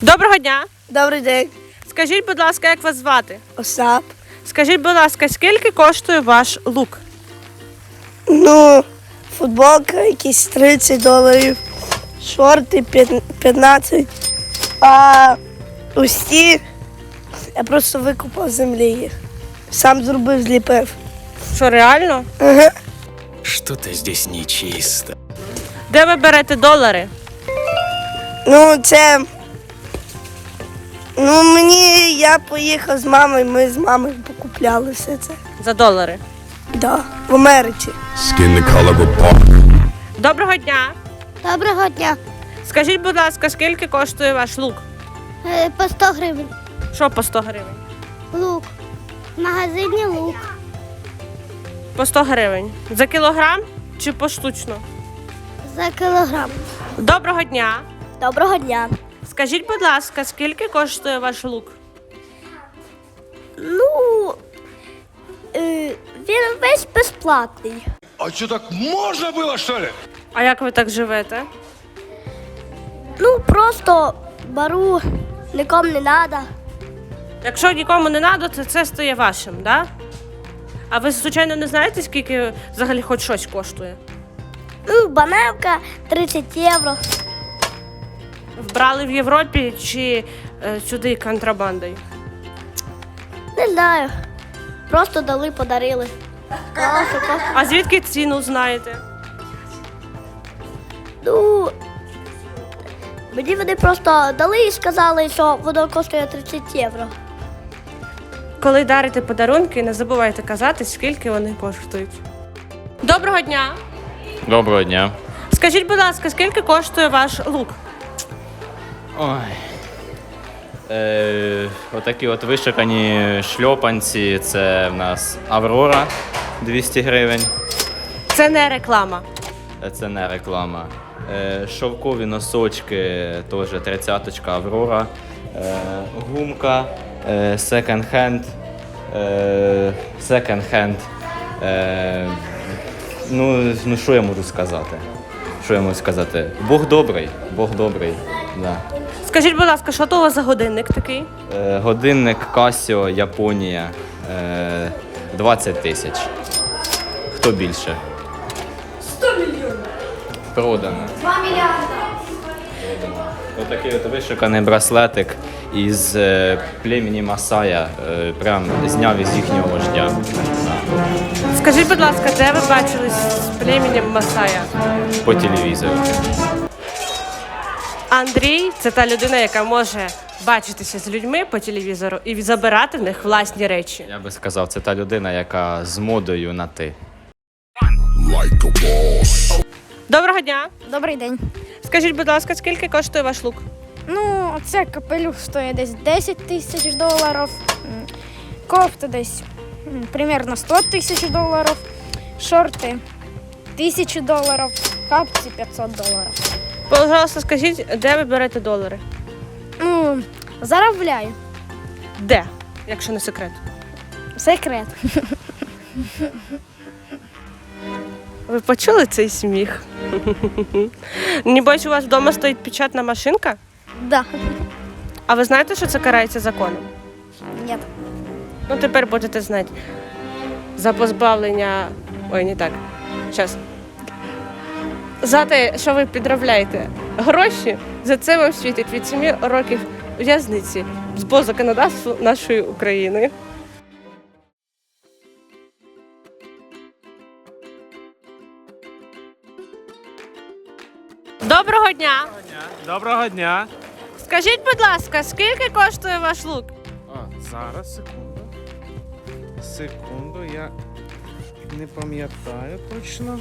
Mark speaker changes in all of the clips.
Speaker 1: Доброго дня!
Speaker 2: Добрий день.
Speaker 1: Скажіть, будь ласка, як вас звати?
Speaker 2: Остап.
Speaker 1: Скажіть, будь ласка, скільки коштує ваш лук?
Speaker 2: Футболка якісь $30, шорти 15, а усі я просто викупав з землі їх. Сам зробив, зліпив.
Speaker 1: Що, реально?
Speaker 2: Ага.
Speaker 3: Что-то здесь нечисто.
Speaker 1: Де ви берете долари?
Speaker 2: Я поїхав з мамою, ми з мамою покупляли все це.
Speaker 1: За долари.
Speaker 2: Да, в Америці.
Speaker 3: Skin the color of bark.
Speaker 1: Доброго дня!
Speaker 4: Доброго дня.
Speaker 1: Скажіть, будь ласка, скільки коштує ваш лук?
Speaker 4: По 100 гривень.
Speaker 1: Що по 100 гривень?
Speaker 4: Лук. В магазині лук.
Speaker 1: По 100 гривень. За кілограм чи поштучно?
Speaker 4: За кілограм.
Speaker 1: Доброго дня!
Speaker 4: Доброго дня.
Speaker 1: Скажіть, будь ласка, скільки коштує ваш лук?
Speaker 4: Він весь безплатний.
Speaker 5: А что, так можно было, что ли?
Speaker 1: А як ви так живете?
Speaker 4: Просто беру, нікому не треба.
Speaker 1: Якщо нікому не треба, то це стає вашим, так? Да? А ви, звичайно, не знаєте, скільки взагалі хоч щось коштує?
Speaker 4: Баневка 30 євро.
Speaker 1: Вбрали в Європі чи сюди контрабандою?
Speaker 4: Не знаю. Просто дали, подарили. Класно.
Speaker 1: А звідки ціну знаєте?
Speaker 4: Мені вони просто дали і сказали, що воно коштує 30 євро.
Speaker 1: Коли дарите подарунки, не забувайте казати, скільки вони коштують. Доброго дня!
Speaker 6: Доброго дня.
Speaker 1: Скажіть, будь ласка, скільки коштує ваш лук?
Speaker 6: Ой. Отакі от вишикані шльопанці. Це в нас Аврора 200 гривень.
Speaker 1: Це не реклама.
Speaker 6: Це не реклама. Шовкові носочки теж 30-очка Аврора. Гумка секонд-хенд. Секонд-хенд. Ну, що я можу сказати? Бог добрий, Бог добрий. Да.
Speaker 1: Скажіть, будь ласка, що то у вас за годинник такий?
Speaker 6: Годинник Casio, Японія, 20 тисяч. Хто більше? 100 мільйонів. Продано. 2 мільярди. Отакий от вишиканий браслетик із племені Масая. Прям зняв із їхнього вождя. Да.
Speaker 1: Скажіть, будь ласка, де ви бачились з племінням Масая?
Speaker 6: По телевізору.
Speaker 1: Андрій – це та людина, яка може бачитися з людьми по телевізору і забирати в них власні речі.
Speaker 6: Я би сказав, це та людина, яка з модою на «ти».
Speaker 1: Доброго дня!
Speaker 7: Добрий день.
Speaker 1: Скажіть, будь ласка, скільки коштує ваш лук?
Speaker 7: Це капелюх стоїть десь 10 тисяч доларів, кофта десь примерно 100 тисяч доларів, шорти 1000 доларів, капці 500 доларів.
Speaker 1: Пожалуйста, скажіть, де ви берете долари?
Speaker 7: Заробляю.
Speaker 1: Де, якщо не секрет?
Speaker 7: Секрет.
Speaker 1: Ви почули цей сміх? Небось, у вас вдома стоїть печатна машинка?
Speaker 7: Да.
Speaker 1: А ви знаєте, що це карається законом?
Speaker 7: Ні.
Speaker 1: Тепер будете знати. За позбавлення... Ой, не так. Щас. За те, що ви підробляєте гроші, за це вам світить від 7 років в'язниці по законодавству нашої України. Доброго дня!
Speaker 8: Доброго дня.
Speaker 1: Скажіть, будь ласка, скільки коштує ваш лук?
Speaker 8: Зараз, секунду, я не пам'ятаю точно.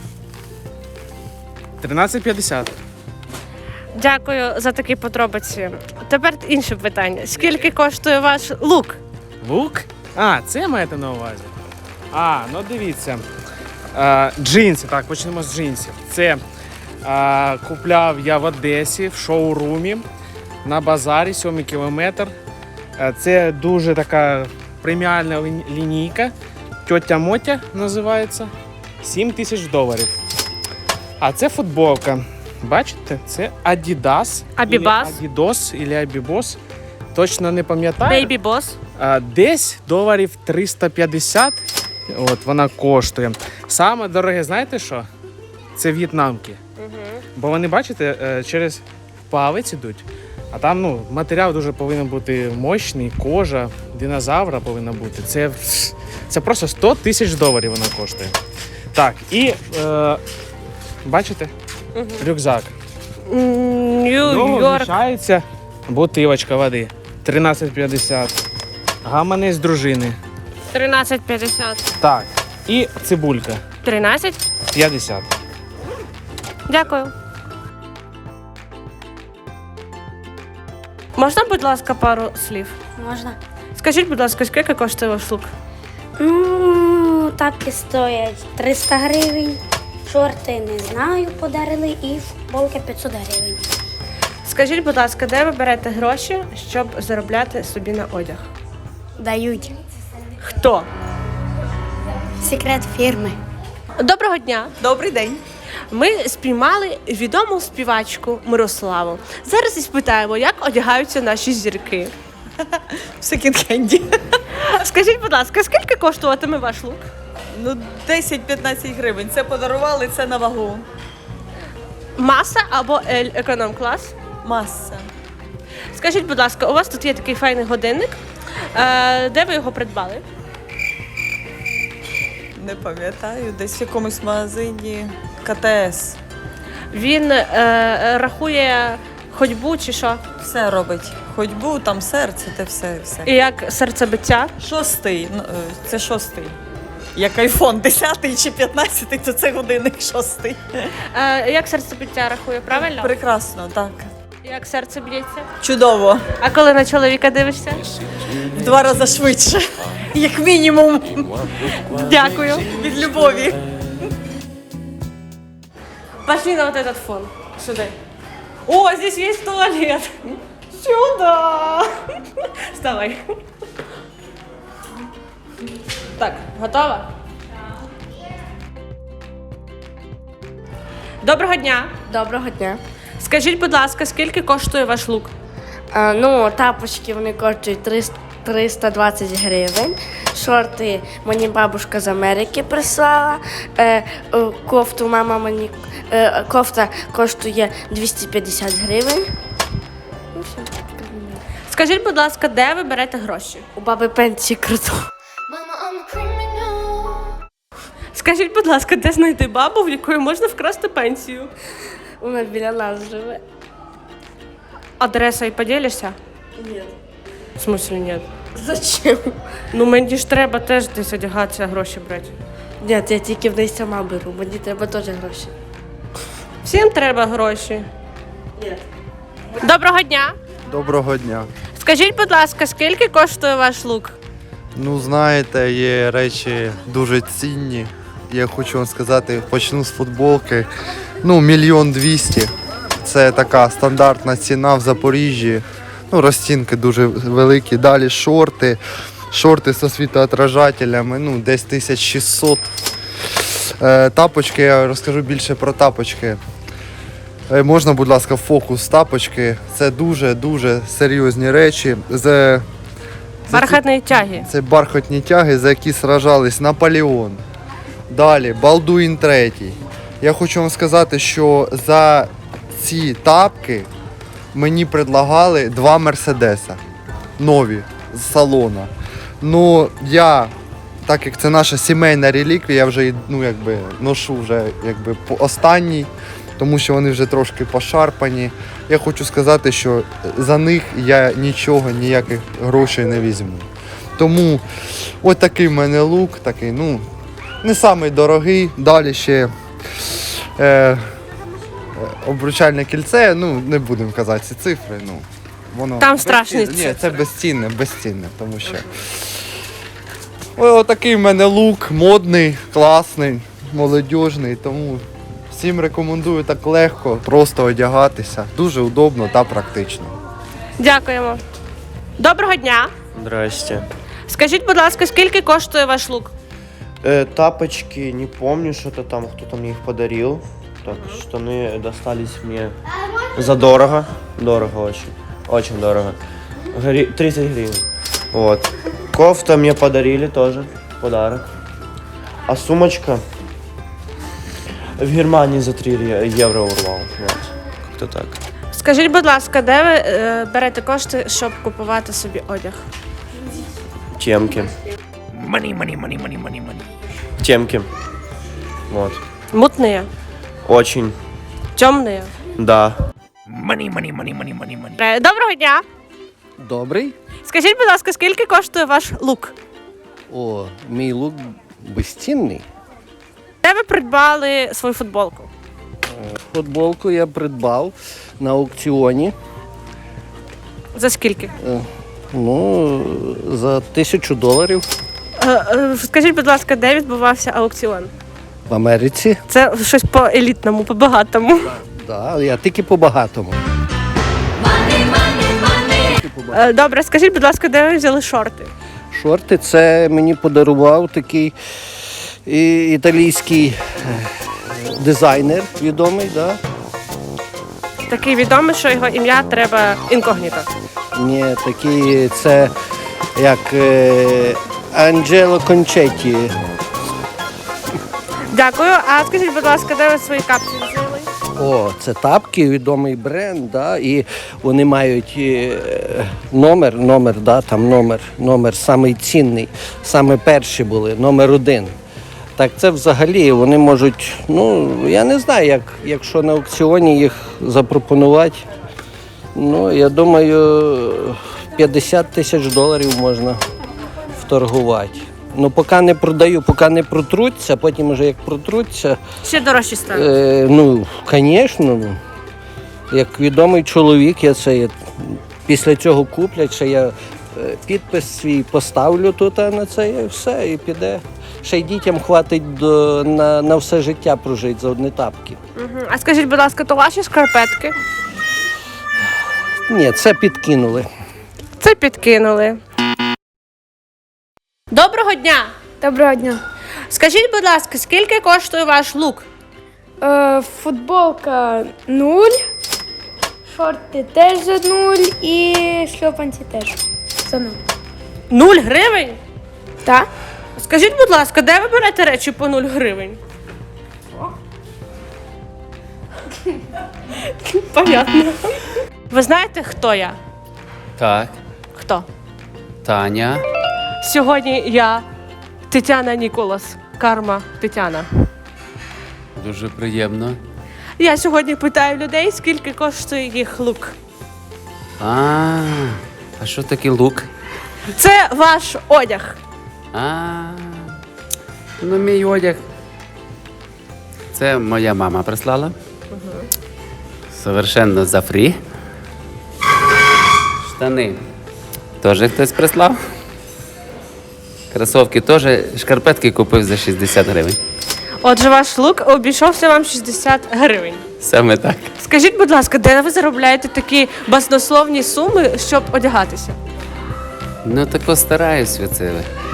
Speaker 8: 13,50.
Speaker 1: Дякую за такі подробиці. Тепер інше питання. Скільки коштує ваш лук?
Speaker 8: Лук? Це маєте на увазі? Дивіться. Джинси, так, почнемо з джинсів. Це купляв я в Одесі в шоурумі на базарі 7 кілометр. Це дуже така преміальна лінійка. Тьотя Мотя називається. $7 тисяч. А це футболка. бачите, це Adidas.
Speaker 1: Абібас.
Speaker 8: Адідос або Абібос. Точно не пам'ятаю.
Speaker 1: Baby Boss.
Speaker 8: Десь доларів 350. От вона коштує. Саме дороге, знаєте що? Це в'єтнамки. Бо вони, бачите, через палець ідуть. А там матеріал дуже повинен бути мощний, кожа, динозавра повинна бути. Це просто 100 тисяч доларів вона коштує. Так, і бачите? Рюкзак.
Speaker 1: Нью-Йорк.
Speaker 8: Вміщається бутилочка води. 13,50. Гаманець дружини.
Speaker 1: 13,50.
Speaker 8: Так, і цибулька.
Speaker 1: 13.
Speaker 8: 50.
Speaker 1: Дякую. Можна, будь ласка, пару слів?
Speaker 4: Можна.
Speaker 1: Скажіть, будь ласка, скільки коштує ваш лук?
Speaker 4: Ну, тапки стоять 300 гривень, шорти не знаю, подарили, і футболки 500 гривень.
Speaker 1: Скажіть, будь ласка, де ви берете гроші, щоб заробляти собі на одяг?
Speaker 4: Дають.
Speaker 1: Хто?
Speaker 4: Секрет фірми.
Speaker 1: Доброго дня!
Speaker 9: Добрий день.
Speaker 1: Ми спіймали відому співачку Мирославу. Зараз і спитаємо, як одягаються наші зірки.
Speaker 9: В секонд-хенді.
Speaker 1: Скажіть, будь ласка, скільки коштуватиме ваш лук?
Speaker 9: Ну, 10-15 гривень. Це подарували, це на вагу.
Speaker 1: Маса або L економ-клас?
Speaker 9: Маса.
Speaker 1: Скажіть, будь ласка, у вас тут є такий файний годинник. Де ви його придбали?
Speaker 9: Не пам'ятаю, десь в якомусь магазині КТС.
Speaker 1: Він рахує ходьбу чи що?
Speaker 9: Все робить. Ходьбу, там серце, те все.
Speaker 1: І як серцебиття?
Speaker 9: 6-й. Це 6-й. Як айфон 10-й чи 15-й, то це годинник 6-й.
Speaker 1: Як серцебиття рахує, правильно?
Speaker 9: Прекрасно, так.
Speaker 1: Як серце б'ється?
Speaker 9: Чудово.
Speaker 1: А коли на чоловіка дивишся?
Speaker 9: В 2 рази швидше. Як мінімум.
Speaker 1: Дякую.
Speaker 9: Від любові.
Speaker 1: Пошли на вот этот фон. Сюда. О, здесь есть туалет. Сюда. Вставай. Так, готова? Доброго дня.
Speaker 2: Доброго дня.
Speaker 1: Скажіть, будь ласка, скільки коштує ваш лук?
Speaker 2: Ну, тапочки вони коштують 320 гривень. Шорти мені бабушка з Америки прислала. Кофту мама мені кофта коштує 250 гривень. Ну, все.
Speaker 1: Скажіть, будь ласка, де ви берете гроші?
Speaker 2: У баби пенсії круто.
Speaker 1: Скажіть, будь ласка, де знайти бабу, в якої можна вкрасти пенсію?
Speaker 2: Вона біля нас живе.
Speaker 1: Адреса і поділишся?
Speaker 2: Ні.
Speaker 1: В смысле ні?
Speaker 2: Зачем?
Speaker 1: Ну мені ж треба теж десь одягатися, гроші брати.
Speaker 2: Ні, я тільки в неї сама беру. Мені треба теж гроші.
Speaker 1: Всім треба гроші.
Speaker 2: Ні.
Speaker 1: Доброго дня!
Speaker 10: Доброго дня.
Speaker 1: Скажіть, будь ласка, скільки коштує ваш лук?
Speaker 10: Ну, знаєте, є речі дуже цінні. Я хочу вам сказати, почну з футболки. Ну, 1 200 000. Це така стандартна ціна в Запоріжжі. Ну, розцінки дуже великі. Далі шорти. Шорти зі світоотражателями, ну, десь 1600. Тапочки, я розкажу більше про тапочки. Можна, будь ласка, фокус тапочки. Це дуже-дуже серйозні речі.
Speaker 1: Бархатної тяги.
Speaker 10: Це бархатні тяги, за які сражались Наполеон. Далі, Балдуїн III. Я хочу вам сказати, що за ці тапки мені предлагали 2 Мерседеса. Нові, з салона. Ну, я, так як це наша сімейна реліквія, я вже ношу вже останній, тому що вони вже трошки пошарпані. Я хочу сказати, що за них я нічого, ніяких грошей не візьму. Тому ось такий в мене лук, такий, ну, не самий дорогий. Далі ще обручальне кільце, ну, не будемо казати ці цифри, ну, воно...
Speaker 1: Там страшні
Speaker 10: Ні,
Speaker 1: цифри.
Speaker 10: це безцінне, тому що... Ось такий в мене лук, модний, класний, молодіжний, тому всім рекомендую так легко, просто одягатися. Дуже удобно та практично.
Speaker 1: Дякуємо. Доброго дня!
Speaker 11: Здрасте.
Speaker 1: Скажіть, будь ласка, скільки коштує ваш лук?
Speaker 11: Тапочки, не помню, что-то там, кто-то мне их подарил. Так, штаны достались мне задорого. Дорого очень. Очень дорого. 30 гривен. Вот. Кофта мне подарили тоже. Подарок. А сумочка в Германии за 3 евро урвал. Вот. Как-то так.
Speaker 1: Скажіть, будь ласка, де ви берете кошти, щоб купувати собі одяг?
Speaker 11: Темки. Темки. Вот.
Speaker 1: Мутні,
Speaker 11: Очень.
Speaker 1: темні.
Speaker 11: Да.
Speaker 1: Доброго дня!
Speaker 12: Добрий.
Speaker 1: Скажіть, будь ласка, скільки коштує ваш лук?
Speaker 12: О, мій лук безцінний.
Speaker 1: Де ви придбали свою футболку?
Speaker 12: Футболку я придбав на аукціоні.
Speaker 1: За скільки?
Speaker 12: Ну, за $1000
Speaker 1: Скажіть, будь ласка, де відбувався аукціон?
Speaker 12: в Америці.
Speaker 1: Це щось по елітному, по багатому.
Speaker 12: Да, я тільки по-багатому.
Speaker 1: Добре, скажіть, будь ласка, де ви взяли шорти?
Speaker 12: Шорти це мені подарував такий італійський дизайнер відомий, да?
Speaker 1: Такий відомий, що його ім'я треба інкогніто.
Speaker 12: Ні, такий це як Анджело Кончетті.
Speaker 1: Дякую. А скажіть, будь ласка, де ви свої капці взяли?
Speaker 12: О, це тапки, відомий бренд, да, і вони мають номер, да, там номер самий цінний, саме перші були, номер 1. Так це взагалі вони можуть, ну, я не знаю, якщо на аукціоні їх запропонувати, ну, я думаю, $50 000 можна вторгувати. Ну, поки не продаю, поки не протруться, потім вже як протруться.
Speaker 1: Ще дорожчі стануть.
Speaker 12: Ну, звісно, як відомий чоловік, після цього куплять, що я підпис свій поставлю тут на це і все, і піде. Ще й дітям хватить на все життя прожити за одні тапки.
Speaker 1: А скажіть, будь ласка, то ваші шкарпетки?
Speaker 12: Ні, це підкинули.
Speaker 1: Це підкинули. Доброго дня!
Speaker 7: Доброго дня.
Speaker 1: Скажіть, будь ласка, скільки коштує ваш лук?
Speaker 7: Футболка 0, шорти теж за 0 і шльопанці теж за 0.
Speaker 1: 0 гривень?
Speaker 7: Так?
Speaker 1: Скажіть, будь ласка, де ви берете речі по 0 гривень? Понятно. Ви знаєте, хто я?
Speaker 13: Так,
Speaker 1: Хто?
Speaker 13: Таня.
Speaker 1: Сьогодні я Тетяна Ніколас. Карма Тетяна.
Speaker 13: Дуже приємно.
Speaker 1: Я сьогодні питаю людей, скільки коштує їх лук.
Speaker 13: А що таке лук?
Speaker 1: Це ваш одяг.
Speaker 13: Ну, мій одяг. Це моя мама прислала. Совершенно за фрі. Штани. Теж хтось прислав. Кросовки теж. Шкарпетки купив за 60 гривень.
Speaker 1: Отже, ваш лук обійшовся вам 60 гривень.
Speaker 13: Саме так.
Speaker 1: Скажіть, будь ласка, де ви заробляєте такі баснословні суми, щоб одягатися?
Speaker 13: Ну, тако стараюсь оце.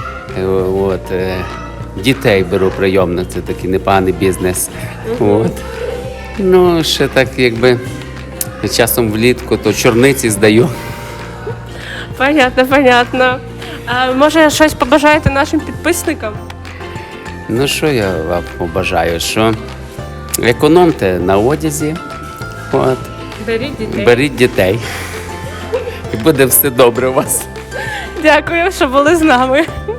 Speaker 13: Дітей беру прийомно, це такий непоганий бізнес. От. Ну, ще так, якби часом влітку, то чорниці здаю.
Speaker 1: Понятно, понятно. А може, щось побажаєте нашим підписникам?
Speaker 13: Ну, що я вам побажаю? Що економте на одязі, от.
Speaker 1: Беріть дітей.
Speaker 13: Беріть дітей. І буде все добре у вас.
Speaker 1: Дякую, що були з нами.